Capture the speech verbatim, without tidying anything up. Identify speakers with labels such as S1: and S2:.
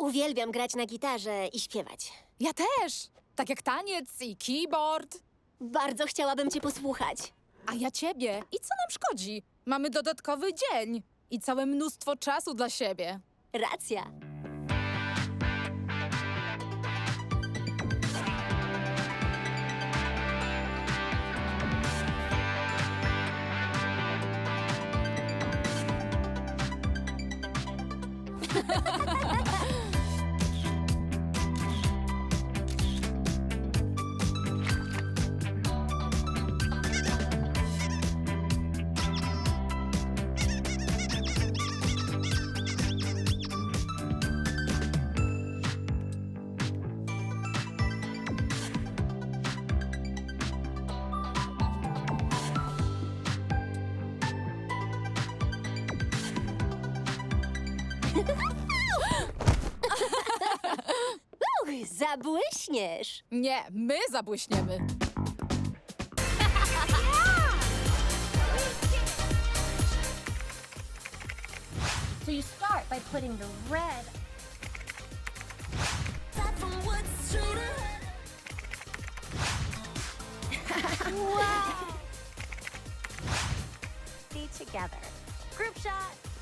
S1: Uwielbiam grać na gitarze i śpiewać.
S2: Ja też! Tak jak taniec i keyboard.
S1: Bardzo chciałabym cię posłuchać.
S2: A ja ciebie. I co nam szkodzi? Mamy dodatkowy dzień i całe mnóstwo czasu dla siebie.
S1: Racja. Uch, zabłyśniesz.
S2: Nie, my zabłyśniemy.
S3: So you start by putting the red. Wow! Be together. Group shot.